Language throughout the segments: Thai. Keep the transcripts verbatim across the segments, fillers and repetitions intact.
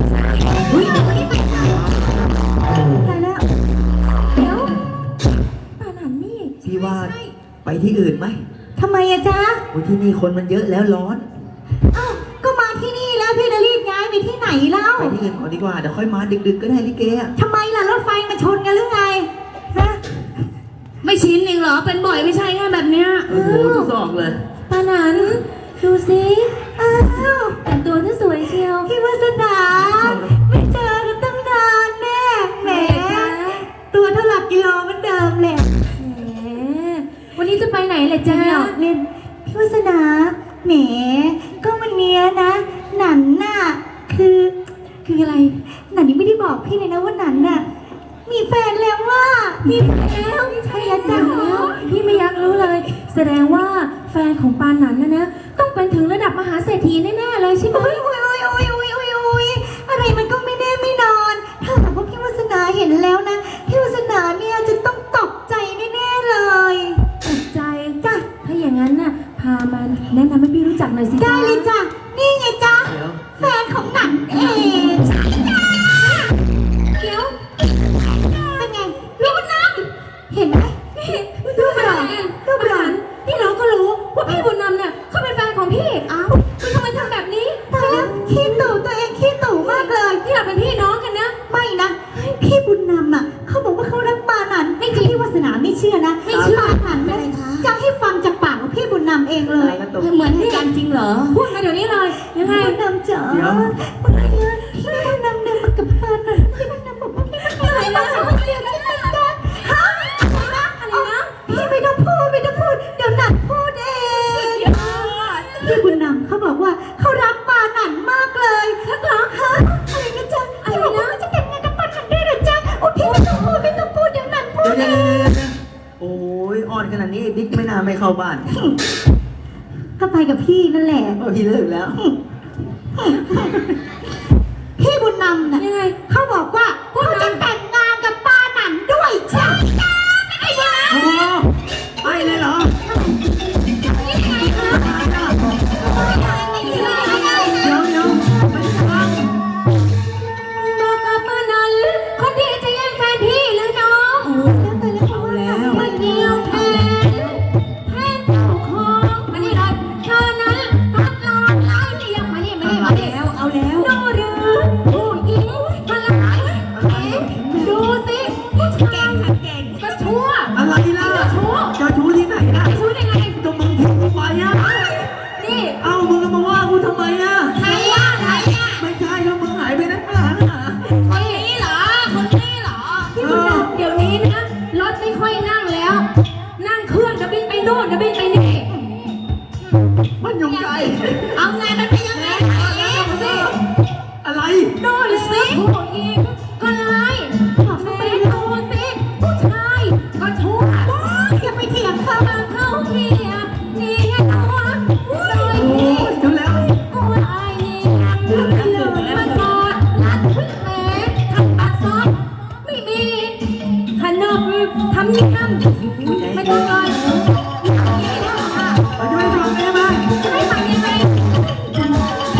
เฮ้ยวันนี้ไปไหนตายแล้วเดี๋ยวป่านันนี่พี่ว่าไปที่อื่นไหมทำไมอะจ๊ะโอ้ที่นี่คนมันเยอะแล้วร้อนอ้าวก็มาที่นี่แล้วพี่จะรีบย้ายไปที่ไหนเล่าไปที่อื่นก่อนดีกว่าเดี๋ยวค่อยมาดึกๆก็ได้ลิเกอะทำไมล่ะรถไฟมาชนกันหรือไงฮะไม่ชินเองเหรอเป็นบ่อยไม่ใช่ไงแบบเนี้ยโอ้โหทุกซอกเลยป่านันดูสิอ้าวแต่งตัวที่สวยเชียวพี่วาสนาไม่เจอกันตั้งนานแน่แหมตัวเท่าหลักกิโลเหมือนเดิมแหละแหมวันนี้จะไปไหนเลยจ๊ะเล่นพี่วาสนาแหมก็วันเนี้ยนะหนันน่ะคือคืออะไรหนันยังไม่ได้บอกพี่เลยนะว่าหนันน่ะมีแฟนแล้วว่ามีแฟนแล้วใช่แล้วจ้ะพี่ไม่อยากรู้เลยแสดงว่าแฟนของปานนันนะนะต้องเป็นถึงระดับมหาเศรษฐีแน่ๆเลยใช่ไหมโอ้ยโอ้ยโอ้ยโอ้ยโอ้ยโอ้ยอะไรมันก็ไม่แน่ไม่นอนถ้าหากว่าพี่วาสนาเห็นแล้วนะพี่วาสนาเนี่ยจะต้องตกใจแน่ๆเลยตกใจจ้ะถ้าอย่างนั้นน่ะพามาแนะนำให้พี่รู้จักหน่อยสิได้เลยจ้ะนี่ไงจ๊ะแฟนของหนันเองใช่จ้ะเดี๋ยวเป็นไงลูกน้ำเห็นไหมลูกหลานลูกหลานพี่น้องก็รู้ว่าพี่บุญนำเนี่ยเขาเป็นแฟนของพี่อ้าวคุณทำไมทำแบบนี้ตายแล้วขี้ตู่ตัวเองขี้ตู่มากเลยพี่เราเป็นพี่น้องกันนะไม่นะพี่บุญนำอ่ะเขาบอกว่าเขารักปานันไม่จริงพี่วาสนาไม่เชื่อนะไม่เชื่อปานันเลยจะให้ฟังจากปากของพี่บุญนำเองเลยเหมือนให้กันจริงเหรอพูดมาเดี๋ยวนี้เลยยังไงบุญนำจ๋าพี่บุญนำเดินมากับปานันพี่บุญนำบอกว่าพี่บุญนำอะไรนะเรียนที่ไหนกันฮะอะไรนะอะไรนะพี่ไม่ต้องพูดไม่ต้องพูดเดี๋ยวหนันพูดเองพี่บุญนำเขาบอกว่าเขารักปานันมากเลยรักเหรอฮะอะไรนะจ๊ะอะไรนะจะแต่งงานกับปานันได้หรือจ๊ะโอ้พี่ไม่ต้องพูดไม่ต้องพูดเดี๋ยวหนันพูดเองโอ้ยอ่อนขนาดนี้บิ๊กไม่น่าไม่เข้าบ้านก็ไปกับพี่นั่นแหละพี่เลิกแล้วพี่บุญนำน่ะยังไงเขาบอกว่าเขาจะแต่งงานกับปานันด้วยใช่ไหมไอ้บ้าโอ้ไปเลยเหรอเดี๋ยวเดี๋ยวไปทางบอกกับปานันคนที่จะแย่งแฟนพี่หรือน้องเอาแล้วไม่เกี่ยวแทนแทนเจ้าของมานี่เลยเธอนั้นพัดลองไล่เรียกมานี่มานี่มานี่แล้วเอาแล้วดูหรือผู้หญิงพลังดูสิผู้ชายเก่งก็ชั่วอะไรล่ะจะชั่วจะชู้ที่ไหนล่ะชั่วได้ไงก็มึงทิ้งกูไปอ่ะนี่เอ้ามึงมาว่ากูทำไมอ่ะใครอ่ะใครอ่ะไม่ใช่แล้วมึงหายไปไหนหาน่ะคนนี้เหรอคนนี้เหรอพี่บุญนำเดี๋ยวนี้นะรถไม่ค่อยนั่งแล้วนั่งเครื่องจะบินไปโน่นจะบินไปนี่มันอยู่ไกลเอาไงมันเป็นยังไงสิอะไรโน่นสิผู้หญิงก็ร้ายแม่ดูสิผู้ชายก็ชั่วอย่าไปเถียงเขาเขาเทียบนี่ตัวโดยที่แล้วโอ้ยไอ้นี่เลยมันกอดรัดแม่ทำอักษรไม่มีขนมทำยิ่งทำไม่ต้องเลยเราจะไม่ฟังได้ไหมไม่ฟังยังไงทำไม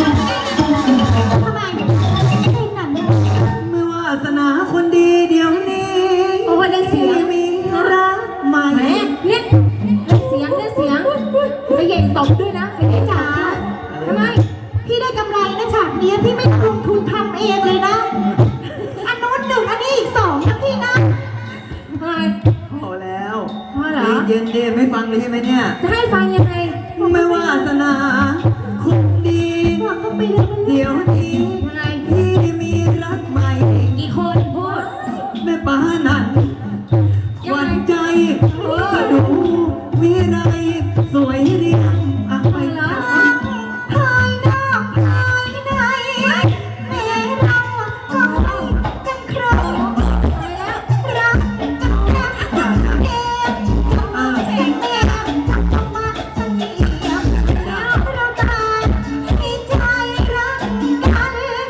เป็นหนังเมื่อวาสนาคนดีเดี๋ยวนี้โอ้ยเสียงมีรักใหม่แม่เนี่ยเสียงเนี่ยเสียงไปเย็นตบด้วยนะไปเย็นจ๋าทำไมพี่ได้กำไรนะฉากนี้พี่ไม่ลงทุนทำเองเลยนะอันนู้นหนึ่งอันนี้อีกสองนะพี่นะทำไมพอแล้วพอเหรอเย็นเดไม่ฟังเลยใช่ไหมเนี่ยจะให้ฟังยังไงไม่วาสนาคนดีเดี๋ยวนี้พี่มีรักใหม่กี่คนพูดแม่ป้านั่นหวั่นใจก็ดูมีไรสวยเรียงอะไปแล้วภายนอกภายในแม่เราก็ให้กันครบรักกันรักกันเองทำเองเองทำมาสักทีแล้วเราตายมีใจรักกัน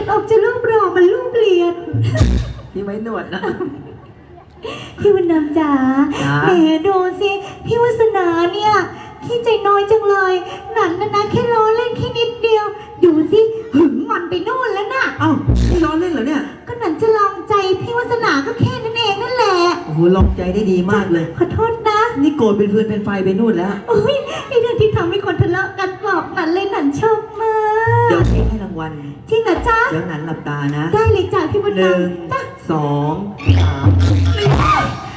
ออกจะรูปรอมันรูปเรียนพี่ไว้หนวดนะพี่วันน้ำจ๋าจ๋าแหมดูสิพี่วาสนาเนี่ยขี้ใจน้อยจังเลยหนันนะนะแค่ล้อเล่นแค่นิดเดียวดูสิหึงมันไปนู่นแล้วน่ะเอ้านี่ล้อเล่นเหรอเนี่ยก็หนันจะลองใจพี่วาสนาก็แค่นั้นเองนั่นแหละโอ้โหลองใจได้ดีมากเลยขอโทษนะนี่โกรธเป็นฟืนเป็นไฟไปนู่นแล้วโอ้ยไอเรื่องที่ทำให้คนทะเลาะกันบอกหนันเลยหนันชอบมากเดี๋ยวพี่ให้รางวัลจริงเหรอจ๊ะเดี๋ยวหนันหลับตานะได้เลยจ้ะพี่วันหนึ่งน้ำจ้ะสองสาม